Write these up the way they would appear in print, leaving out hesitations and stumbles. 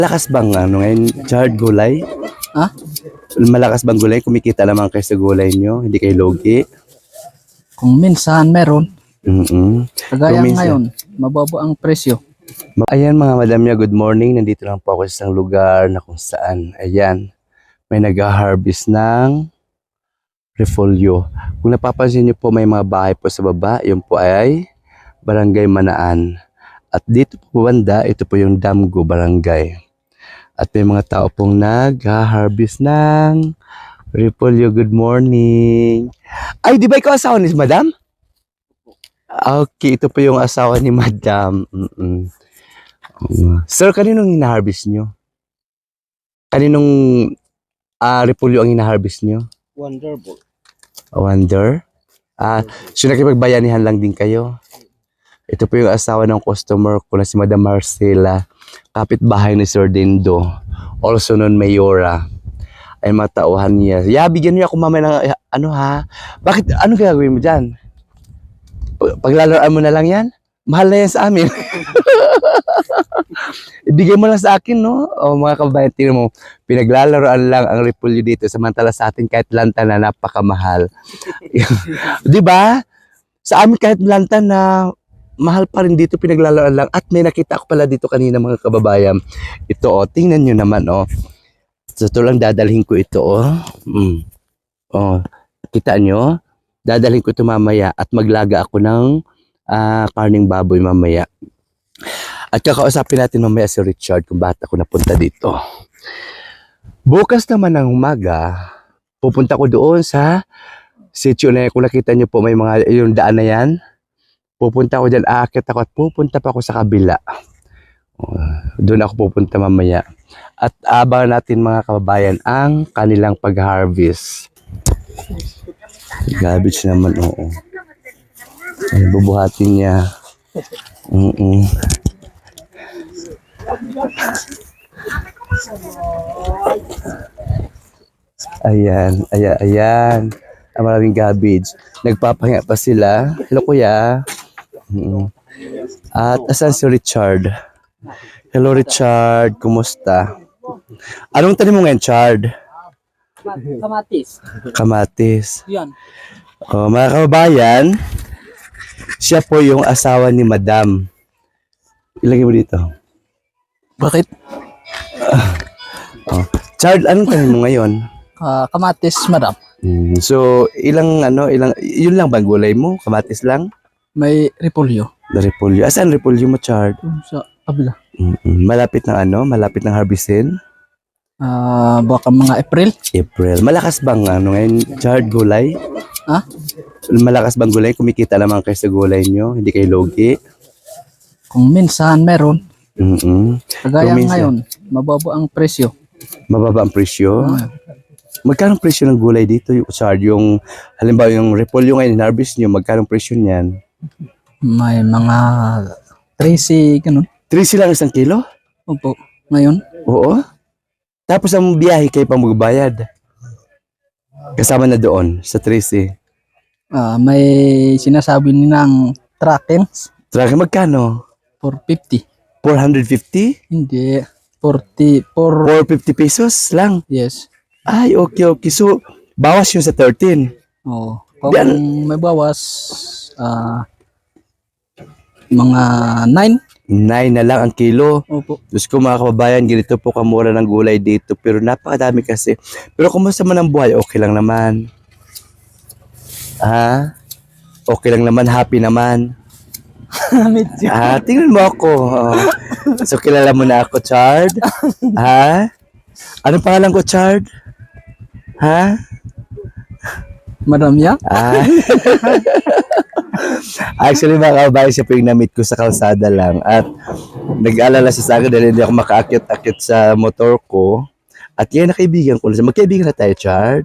Malakas bang ngayon, Chard, gulay? Ha? Malakas bang gulay? Kumikita naman kayo sa gulay nyo? Hindi kayo logi? Kung minsan meron, kagaya Kung minsan. ngayon, mababa ang presyo. Ayan mga madam niya, good morning. Nandito lang po ako sa isang lugar na kung saan, ayan, may nag-harvest ng repolyo. Kung napapansin niyo po, may mga bahay po sa baba. Yun po ay Barangay Manaan. At dito po banda, ito po yung Damgo Barangay. At may mga tao pong nag-harvest ng repolyo. Good morning. Ay, di ba ikaw asawa ni madam? Okay, ito po yung asawa ni madam. Sir, kaninong hina-harvest nyo? Kaninong repolyo ang hina-harvest nyo? Wonderful. Wonder? So nakipagbayanihan lang din kayo? Ito po yung asawa ng customer ko na si Madam Marcela, kapitbahay ni Sir Dindo, also known Mayora. Ay matauhan niya. Bigyan niyo ako mamaya ng ano ha? Bakit? Ano gagawin mo dyan? Paglalaan mo na lang yan? Mahal na yan sa amin. Ibigay mo lang sa akin, no? O mga kababayan, tingnan mo, pinaglalaroan lang ang repolyo dito, samantala sa atin kahit lanta na napakamahal. Di ba? Sa amin kahit lanta na mahal pa rin dito, pinaglalaroan lang. At may nakita ako pala dito kanina mga kababayan. Ito, tingnan nyo naman, So, ito lang dadalhin ko ito, kita nyo? Dadalhin ko ito mamaya at maglaga ako ng karning baboy mamaya. At kakausapin natin mamaya si Richard kung bakit ako napunta dito. Bukas naman ng umaga, pupunta ko doon sa sitio na yan. Kung nakita nyo po may mga yung daan na yan, pupunta ko dyan, aakit ako at pupunta pa ako sa kabila. Doon ako pupunta mamaya. At abangan natin mga kababayan ang kanilang pag-harvest. Garbage naman, oo. Ay, bubuhatin niya. Ayan. Ang maraming garbage. Nagpapahinga pa sila. Hello, kuya. At asan si Richard? Hello, Richard. Kumusta? Anong tanim mo ngayon, Chard? Kamatis. Kamatis. Yan. Mga kababayan, siya po yung asawa ni Madam. Ilagay mo dito. Bakit? Chard, anong tanim mo ngayon? Kamatis, madam. So, ilang, yun lang bang gulay mo? Kamatis lang? May repolyo. Na repolyo. Asan repolyo mo, Chard? Sa kabila. Malapit ng harvestin? Baka mga April. Malakas bang ngayon, Chard, gulay? Ha? Malakas bang gulay? Kumikita naman kayo sa gulay nyo? Hindi kayo logi? Kung minsan meron, kagaya Kung minsan. ngayon, mababa ang presyo. Mababa ang presyo? Magkano ang presyo ng gulay dito, Chard? Yung, halimbawa, yung repolyo ngayon, harvest nyo, magkano ang presyo niyan? May mga 13, ganun. 3 lang isang kilo? Opo, ngayon. Oo. Tapos ang biyahe kayo pang magbayad. Kasama na doon sa 13. May sinasabi nilang trackings, Traka magkano? 450. 450? Hindi, 44. 450 pesos lang. Yes. Ay, okay. So, bawas yun sa 13. Oo. Kung may bawas, mga 9. 9 na lang ang kilo. Opo. Diyos ko mga kababayan, ganito po kamura ng gulay dito. Pero napakadami kasi. Pero kumusta man ang buhay, okay lang naman. Okay lang naman, happy naman. Tingnan mo ako. So, kilala mo na ako, Chard? Anong pangalan ko, Chard? Madam ya? Actually, mga kababayan, siya po yung na-meet ko sa kalsada lang. At nag-alala siya sa akin dahil hindi ako makaakit-akit sa motor ko. At yan na kaibigan ko. Magkaibigan na tayo, Chard?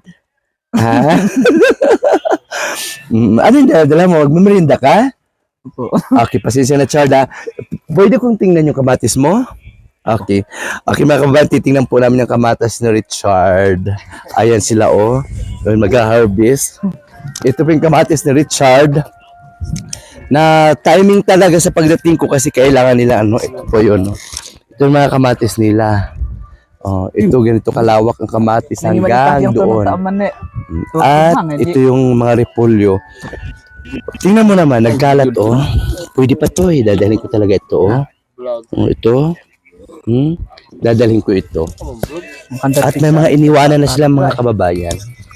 Ano yung dala mo? Magmamerinda ka? Opo. Okay, pasensya na, Chard. Pwede kong tingnan yung kamatis mo? Okay. Okay, mga kababayan, titingnan po namin yung kamatis ni Richard. Ayan sila, mag-harvest. Ito po yung kamatis ni Richard. Na timing talaga sa pagdating ko kasi kailangan nila, ito po yun. Ito yung mga kamatis nila. Oh, ito ganito kalawak ang kamatis hanggang doon. At ito yung mga repolyo. Tingnan mo naman, nagkalat oh. Pwede pa to eh. Dadalhin ko talaga ito oh. Oh, ito. Dadalhin ko ito. At may mga iniwanan na silang mga kababayan.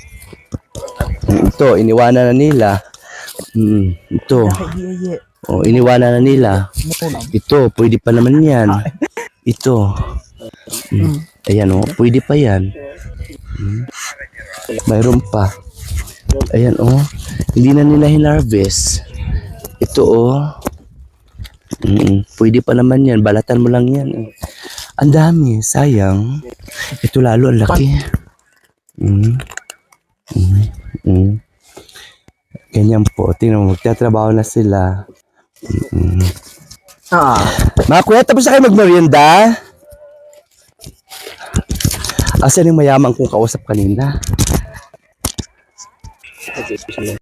Ito, iniwanan na nila. Ito. Oh, iniwanan na nila. Ito, pwede pa naman yan. Ito. Ayan oh, pwede pa yan. Mayroon pa. Ayan oh, hindi na nila hinarvest. Ito oh. Pwede pa naman yan, balatan mo lang yan. Ang dami, sayang. Ito lalo, ang laki. Ganyan po, tingnan mo, magtatrabaho na sila. Mga kuya, tapos na kayo magmerienda? Asan yung mayaman kong kausap kanina?